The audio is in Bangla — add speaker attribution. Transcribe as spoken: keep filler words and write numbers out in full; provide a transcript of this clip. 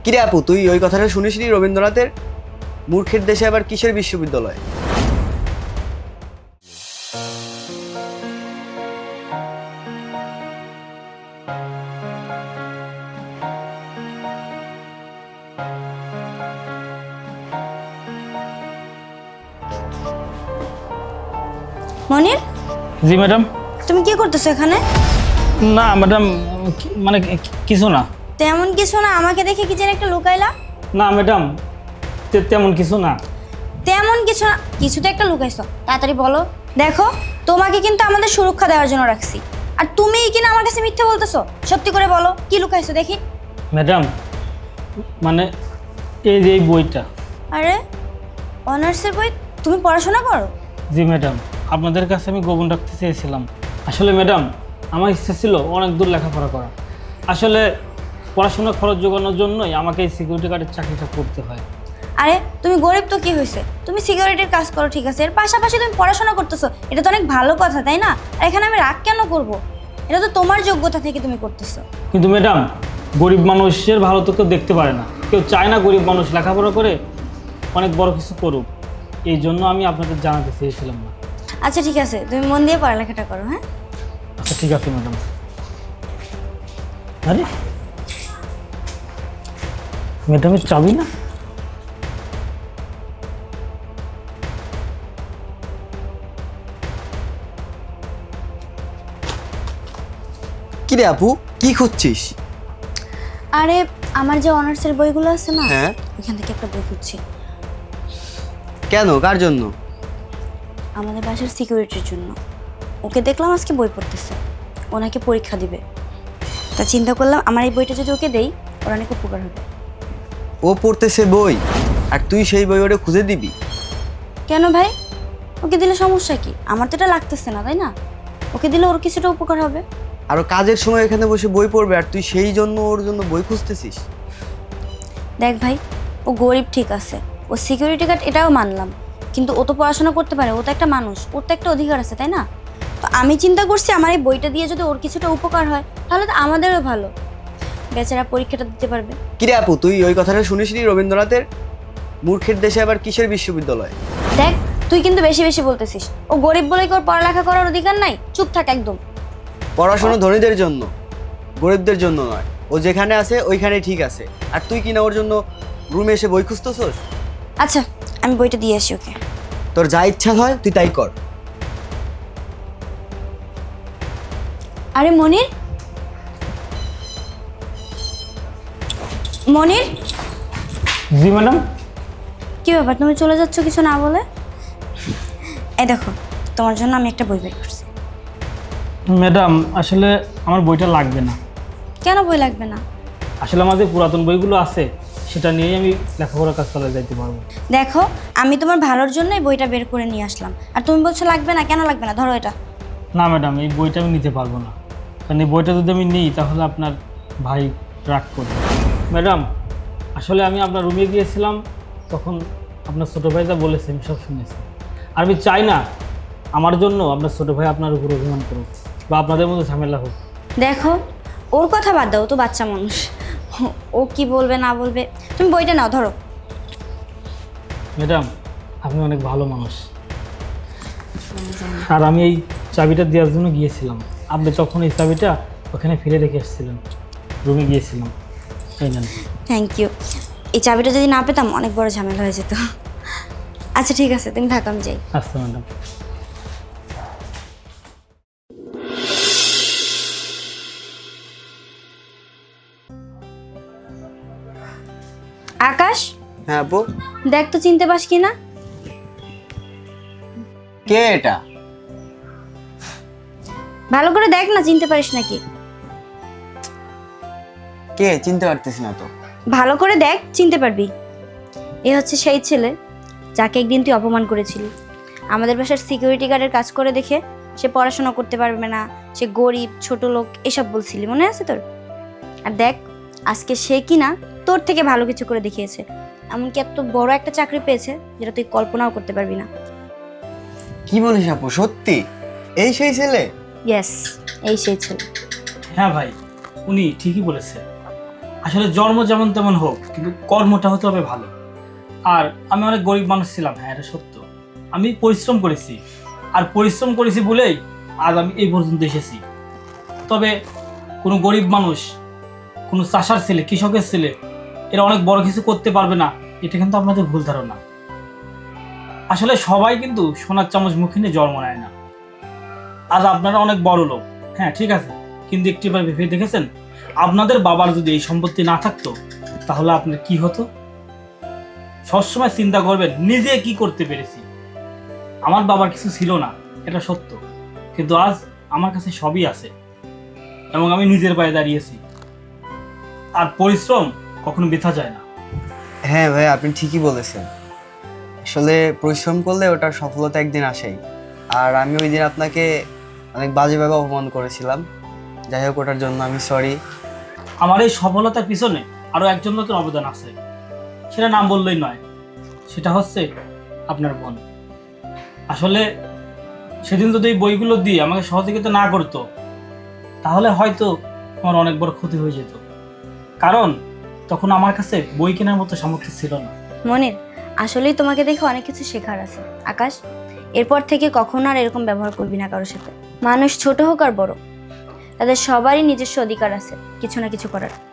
Speaker 1: কিরে আপু, তুই ওই কথাটা শুনিসনি রবীন্দ্রনাথের? মূর্খের দেশে আবার কিসের বিশ্ববিদ্যালয়?
Speaker 2: মনির,
Speaker 3: জি ম্যাডাম।
Speaker 2: তুমি কি করতেছো এখানে?
Speaker 3: না ম্যাডাম, কি- মানে কি- কিছু না।
Speaker 2: তেমন কিছু না, আমাকে দেখে কি যেন একটা লুকাইলা?
Speaker 3: না ম্যাডাম, তে- তেমন কিছু না।
Speaker 2: তেমন কিছু না, কিছু তো একটা লুকাইছো, তাড়াতাড়ি বলো। দেখো, তোমাকে কিন্তু আমাদের সুরক্ষা দেওয়ার জন্য রাখছি, আর তুমিই কিনা আমার কাছে মিথ্যে বলতেছো। সত্যি করে বলো, কি লুকাইছো দেখি।
Speaker 3: ম্যাডাম, মানে এই যে এই বইটা।
Speaker 2: আরে, অনার্সের বই? তুমি পড়াশোনা করো?
Speaker 3: জি ম্যাডাম, আপনাদের কাছে আমি গোপন রাখতে চেয়েছিলাম। আসলে ম্যাডাম, আমার ইচ্ছা ছিল অনেক দূর লেখাপড়া করা। আসলে পড়াশোনা খরচ জোগানোর জন্যই আমাকে এই সিকিউরিটি গার্ডের চাকরিটা করতে হয়।
Speaker 2: আরে, তুমি গরিব তো কি হয়েছে, তুমি সিকিউরিটির কাজ করো ঠিক আছে, এর পাশাপাশি তুমি পড়াশোনা করতেছো, এটা তো অনেক ভালো কথা, তাই না? আর এখানে আমি রাগ কেন করব? এটা তো তোমার যোগ্যতা থেকে তুমি করতেছো।
Speaker 3: কিন্তু ম্যাডাম, গরিব মানুষের ভালো তো কেউ দেখতে পারে না। কেউ চায় না গরিব মানুষ লেখাপড়া করে অনেক বড় কিছু করুক। এই জন্য আমি আপনাদের জানাতে চেয়েছিলাম না।
Speaker 2: আচ্ছা ঠিক আছে, তুমি মন দিয়ে পড়ালেখাটা করো। হ্যাঁ,
Speaker 3: আচ্ছা ঠিক আছে ম্যাডাম। আরে ম্যাডামের চাবি না?
Speaker 1: কিরে আপু, কি খুঁজছিস?
Speaker 2: আরে আমার যে অনার্সের বইগুলো আছে না,
Speaker 1: হ্যাঁ।
Speaker 2: ওইখান থেকে একটা বই খুঁজছি।
Speaker 1: কেন, কার জন্য?
Speaker 2: আমাদের বাসার সিকিউরিটির জন্য। ওকে দেখলাম আজকে বই পড়তেছে, ওনাকে পরীক্ষা দিবে। তা চিন্তা করলাম আমার এই বইটা যদি ওকে দেই, ওর অনেক উপকার হবে।
Speaker 1: ও পড়তেছে বই, আর তুই সেই বই ওটা খুঁজে দিবি?
Speaker 2: কেন ভাই, ওকে দিলে সমস্যা কি? আমার তো এটা লাগতেছে না, তাই না? ওকে দিলে ওর কিছুটা উপকার হবে।
Speaker 1: আরো কাজের সময় এখানে বসে বই পড়বে, আর তুই সেই জন্য ওর জন্য বই খুঁজতেছিস?
Speaker 2: দেখ ভাই, ও গরিব ঠিক আছে, ও সিকিউরিটি গার্ড এটাও মানলাম, কিন্তু ও তো পড়াশোনা করতে পারে, ও তো একটা মানুষ, ওর তো একটা অধিকার আছে, তাই না? তো আমি চিন্তা করছি আমার এই বইটা দিয়ে যদি ওর কিছুটা উপকার হয়, তাহলে তো আমাদেরও ভালো, বেচারা পরীক্ষাটা দিতে পারবে।
Speaker 1: কিরে আপু, তুই ওই কথাটা শুনিসনি রবীন্দ্রনাথের? মূর্খের দেশে আবার কিসের বিশ্ববিদ্যালয়?
Speaker 2: দেখ, তুই কিন্তু বেশি বেশি বলতেছিস। ও গরিব বলে কি ওর পড়ালেখা করার অধিকার নাই? চুপ থাক একদম।
Speaker 1: পড়াশোনা ধনীদের জন্য, গরিবদের জন্য নয়। ও যেখানে আছে ওইখানে ঠিক আছে, আর তুই কিনা ওর জন্য রুমে এসে বই খুঁজতেছস?
Speaker 2: আচ্ছা, আমি বইটা দিয়ে আসি ওকে।
Speaker 1: তোর যা ইচ্ছা হয় তুই তাই কর।
Speaker 2: আরে মনির, মনির,
Speaker 3: জি ম্যাডাম।
Speaker 2: কি ব্যাপার, তুমি চলে যাচ্ছ কিছু না বলে? এই দেখো, তোমার জন্য আমি একটা বই বের করছি।
Speaker 3: ম্যাডাম, আসলে আমার বইটা লাগবে না।
Speaker 2: কেন বই লাগবে না?
Speaker 3: আসলে আমার যে পুরাতন বইগুলো আছে সেটা নিয়েই আমি লেখাপড়ার কাজ চালিয়ে যাইতে পারবো।
Speaker 2: দেখো, আমি তোমার ভালোর জন্য এই বইটা বের করে নিয়ে আসলাম, আর তুমি বলছো লাগবে না। কেন লাগবে না? ধরো এটা।
Speaker 3: না ম্যাডাম, এই বইটা আমি নিতে পারবো না, কারণ এই বইটা যদি আমি নিই তাহলে আপনার ভাই রাগ করবে। ম্যাডাম, আসলে আমি আপনার রুমে গিয়েছিলাম, তখন আপনার ছোটো ভাই যা বলেছে আমি সব শুনেছি। আর আমি চাই না আমার জন্য আপনার ছোটো ভাই আপনার উপর অভিমান করুক বা আপনাদের মধ্যে ঝামেলা হোক।
Speaker 2: দেখো, ওর কথা বাদ দাও, ও তো বাচ্চা মানুষ, ও কি বলবে না বলবে। তুমি বইটা নাও, ধরো।
Speaker 3: ম্যাডাম, আপনি অনেক ভালো মানুষ, আর আমি এই চাবিটা দেওয়ার জন্য গিয়েছিলাম। আপনি তখন এই চাবিটা ওখানে ফেলে রেখে এসেছিলেন, রুমে গিয়েছিলাম। এই নেন।
Speaker 2: Thank you. এই চাবিটা যদি না পেতাম অনেক বড় ঝামেলা হয়ে যেত। আচ্ছা ঠিক আছে, তুমি থাকো, আমি যাই।
Speaker 3: আচ্ছা ম্যাডাম।
Speaker 2: আকাশ,
Speaker 1: হ্যাঁ আপু।
Speaker 2: দেখ তো চিনতে পাস কি না?
Speaker 1: কে এটা?
Speaker 2: ভালো করে দেখ না, চিনতে পারিস নাকি?
Speaker 1: কে, চিনতে পারতেছি না তো।
Speaker 2: ভালো করে দেখ, চিনতে পারবি। এ হচ্ছে সেই ছেলে যাকে একদিন তুই অপমান করেছিলি। আমাদের বাসার সিকিউরিটি গার্ডের কাজ করে দেখে সে পড়াশোনা করতে পারবে না, সে গরিব, ছোট লোক, এসব বলছিলি, মনে আছে তোর? আর দেখ, আজকে সে কিনা তোর থেকে ভালো কিছু করে দেখিয়েছে, এমনকি এত বড় একটা চাকরি পেয়েছে যেটা তুই কল্পনাও করতে পারবি না।
Speaker 1: কি বলিস আপু, সত্যি এই সেই ছেলে?
Speaker 2: ইয়েস, এই সেই ছেলে।
Speaker 3: হ্যাঁ ভাই, উনি ঠিকই বলেছে। আসলে জন্ম যেমন তেমন হোক, কিন্তু কর্মটা হতে হবে ভালো। আর আমি অনেক গরিব মানুষ ছিলাম, হ্যাঁ এটা সত্য। আমি পরিশ্রম করেছি, আর পরিশ্রম করেছি বলেই আজ আমি এই পর্যন্ত এসেছি। তবে কোনো গরিব মানুষ, কোনো চাষার ছেলে, কৃষকের ছেলে এরা অনেক বড় কিছু করতে পারবে না, এটা কিন্তু আপনাদের ভুল ধারণা। আসলে সবাই কিন্তু সোনার চামচ মুখে নিয়ে জন্ম নেয় না। আজ আপনারা অনেক বড় লোক, হ্যাঁ ঠিক আছে, কিন্তু একটিবার ভেবে দেখেছেন আপনাদের বাবার যদি এই সম্পত্তি না থাকতো তাহলে আপনার কি হতো? সবসময় চিন্তা করবেন নিজে কি করতে পেরেছি। আমার বাবার কিছু ছিল না, এটা সত্য, কিন্তু আজ আমার কাছে সবই আছে এবং আমি নিজের পায়ে দাঁড়িয়েছি। আর পরিশ্রম কখনো বৃথা যায় না।
Speaker 1: হ্যাঁ ভাই, আপনি ঠিকই বলেছেন। আসলে পরিশ্রম করলে ওটার সফলতা একদিন আসেই। আর আমি ওই দিন আপনাকে অনেক বাজেভাবে অপমান করেছিলাম। যাই হোক, ওটার জন্য আমি সরি।
Speaker 3: আমার এই সফলতার পিছনে আরো একজন লোকের অবদান আছে, সেটা নাম বললেই নয়, সেটা হচ্ছে আপনার বোন। আসলে সেদিন যদি এই বইগুলো দিয়ে আমাকে সহযোগিতা না করতো তাহলে হয়তো আমার অনেক বড় ক্ষতি হয়ে যেত, কারণ তখন আমার কাছে বই কেনার মতো সামর্থ্য ছিল না।
Speaker 2: মনির, আসলেই তোমাকে দেখে অনেক কিছু শেখার আছে। আকাশ, এরপর থেকে কখনো আর এরকম ব্যবহার করবি না কারোর সাথে। মানুষ ছোট হোক আর বড়, তাদের সবারই নিজস্ব অধিকার আছে কিছু না কিছু করার।